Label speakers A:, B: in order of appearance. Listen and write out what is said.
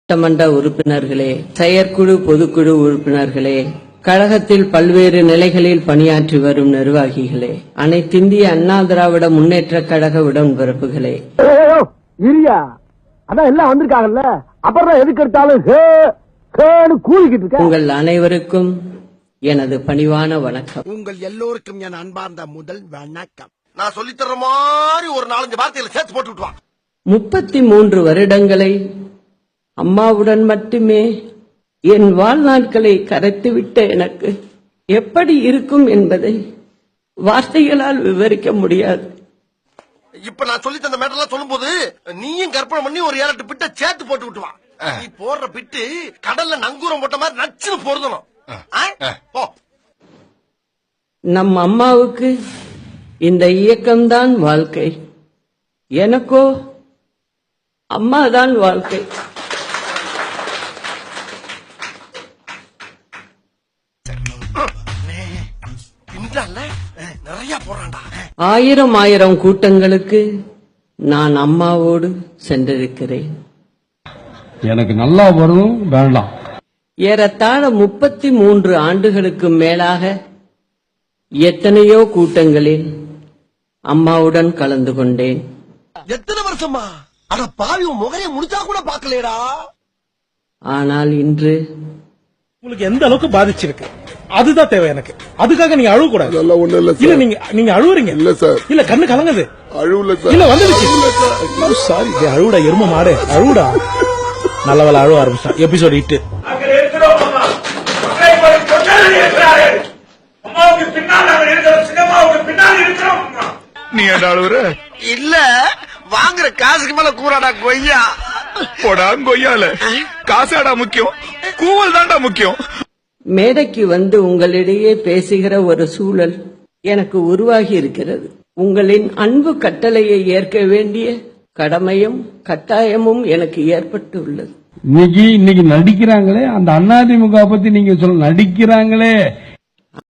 A: சட்டமன்ற உறுப்பினர்களே, செயற்குழு பொதுக்குழு உறுப்பினர்களே, கழகத்தில் பல்வேறு நிலைகளில் பணியாற்றி வரும் நிர்வாகிகளே, அனைத்திந்திய அண்ணா திராவிட முன்னேற்ற கழக உடன்பிறப்புகளே,
B: அதான் எல்லாம் வந்திருக்காங்கல்ல, அப்புறம் எதுக்கு எடுத்தாலும் கூலிக்கிட்டு இருக்க
A: உங்கள் அனைவருக்கும் எனது பணிவான வணக்கம்.
C: உங்கள் எல்லோருக்கும் என் அன்பார்ந்த முதல் வணக்கம். நான் சொல்லித்தர மாதிரி ஒரு 4-5 வார்த்தைகளை சேர்த்து போட்டு விட்டுவான்.
A: 33 வருடங்களை அம்மாவுடன் மட்டுமே என் வாழ்நாட்களை கரைத்துவிட்ட எனக்கு எப்படி இருக்கும் என்பதை வார்த்தைகளால் விவரிக்க முடியாது.
C: இப்ப நான் சொல்லி தந்த மேட்டர்லாம் சொல்லும் போது நீயும் கற்பனை பண்ணி ஒரு 7-8 பிட்ட சேர்த்து போட்டு விட்டுவான். நீ போடுற பிட்டு கடல்ல நங்கூரம் போட்ட மாதிரி நச்சுன்னு பொருந்தணும்.
A: நம் அம்மாவுக்கு இந்த இயக்கம்தான் வாழ்க்கை, எனக்கோ அம்மாதான் வாழ்க்கை.
C: நிறைய போறான்டா.
A: 1000 கூட்டங்களுக்கு நான் அம்மாவோடு சென்றிருக்கிறேன்.
D: எனக்கு நல்லா வரும் வேண்டாம்.
A: ஏறத்தாழ 33 ஆண்டுகளுக்கு மேலாக எத்தனையோ கூட்டங்களில் அம்மாவுடன் கலந்து கொண்டேன்.
C: எத்தனை வருஷமா? அட பாவி, முகரைய முடிச்சா கூட பாக்கலடா.
A: ஆனால் இன்று
E: உங்களுக்கு எந்த அளவுக்கு பாதிச்சிருக்கு அதுதான் தேவை எனக்கு. அதுக்காக நீங்க அழுவ கூடாது. இல்ல நீங்க அழுவுறீங்க. இல்ல சார், இல்ல கண்ணு கலங்குது. அழுவல சார். இல்ல வந்துடுச்சு. சாரி, அழுவுடா எரும மாடு, அழுவுடா. நல்லவள அழுவ ஆரம்பிச்சா. எபிசோட் 8.
F: நீ என்ன அழுவுற?
C: இல்ல, வாங்குற காசுக்கு மேல கூறாடா கொய்யா.
F: போடா கொய்யால. காசாடா முக்கியம், கூவல் தான்டா முக்கியம்.
A: மேடைக்கு வந்து உங்களிடையே பேசுகிற ஒரு சூழல் எனக்கு உருவாகி இருக்கிறது. உங்களின் அன்பு கட்டளையை ஏற்க வேண்டிய கடமையும் கட்டாயமும் எனக்கு ஏற்பட்டு உள்ளது.
D: இன்னைக்கு நடிக்கிறாங்களே, அந்த அதிமுக பத்தி நீங்க சொல்ல நடிக்கிறாங்களே,